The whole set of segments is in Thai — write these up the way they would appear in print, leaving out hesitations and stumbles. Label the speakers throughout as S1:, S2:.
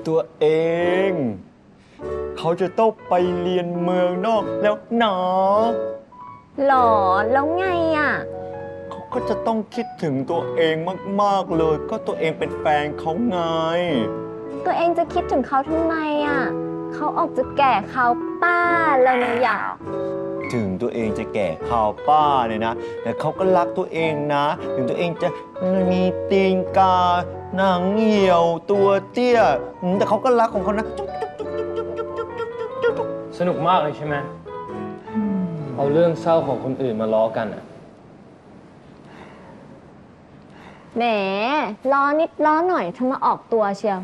S1: ตัวเองเขาจะต้องไปเรียนเมืองนอกแล้วหนอ
S2: หรอแล้วไงอ่ะ
S1: เขาก็จะต้องคิดถึงตัวเองมากๆเลยก็ตัวเองเป็นแฟนเขาไง
S2: ตัวเองจะคิดถึงเขาทำไมอ่ะเขาออกจะแก่เขาป้าแล้วนะอยาก
S1: ถึงตัวเองจะแก่ข่าวป้าเนี่ยนะแต่เขาก็รักตัวเองนะถึงตัวเองจะมีตีนกาหนังเหี่ยวตัวเตี้ยแต่เขาก็รักของเขานะ
S3: สนุกมากเลยใช่ไหมเอาเรื่องเศร้าของคนอื่นมาล้อกันอ่ะ
S2: แหมล้อนิดล้อหน่อยทำมาออกตัวเชียว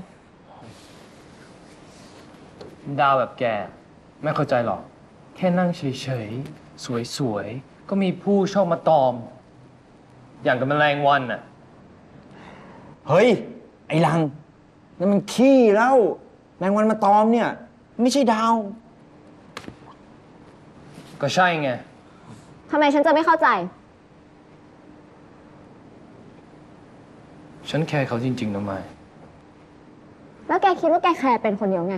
S3: ดาวแบบแกไม่เข้าใจหรอกแค่นั่งเฉยๆสวยๆก็มีผู้ชอบมาตอมอย่างกับแมลงวันน่ะ
S1: เฮ้ยไอ้ลังนั่นมันขี้แล้วแมงวันมาตอมเนี่ยไม่ใช่ดาว
S3: ก็ใช่ไง
S2: ทำไมฉันจะไม่เข้าใจ
S3: ฉันแคร์เขาจริงๆนะไมค์
S2: แล้วแกคิดว่าแกแคร์เป็นคนเดียวไง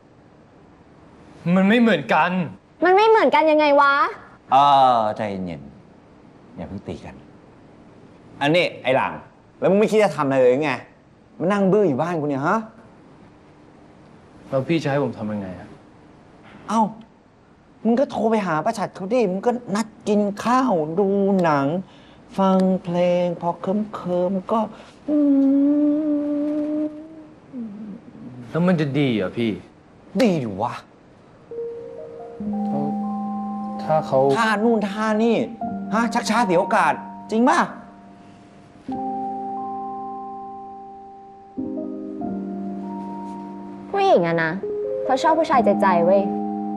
S3: มันไม่เหมือนกัน
S2: มันไม่เหมือนกันยังไงวะ
S1: ใจเย็นอย่าเพิ่งตีกันอันนี้ไอ้หลังแล้วมึงไม่คิดจะทำอะไรเลยไงมานั่งบื้ออยู่บ้านกูเนี่ยฮะ
S3: แล้วพี่จะให้ผมทำยังไงอะ
S1: เอ้ามึงก็โทรไปหาป้าฉัดเขาดิมึงก็นัดกินข้าวดูหนังฟังเพลงพอเคิมก็
S3: แล้วมันจะดีเหรอพี่
S1: ดีดิวะ
S3: ถ้าเขา
S1: ท่านู่นท่านี่ฮะชักช้าเสียโอกาสจริงป่ะ
S2: ผู้หญิงอะนะเขาชอบผู้ชายใจเว้ย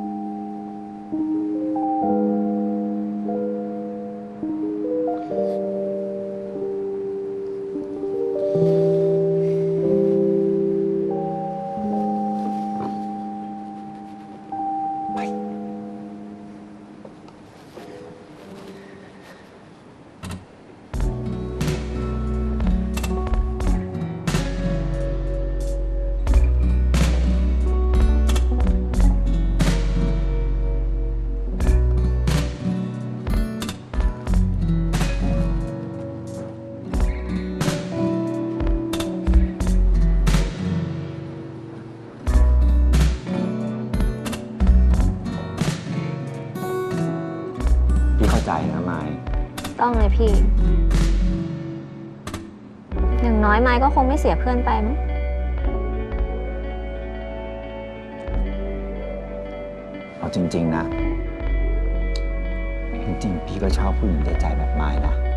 S1: พี่เข้าใจนะไม้
S2: ต้องเลยพี่อย่างน้อยไม้ก็คงไม่เสียเพื่อนไปมั้ง
S1: เอาจริงๆนะจริงๆพี่ก็ชอบผู้หญิงใจแบบไม้นะ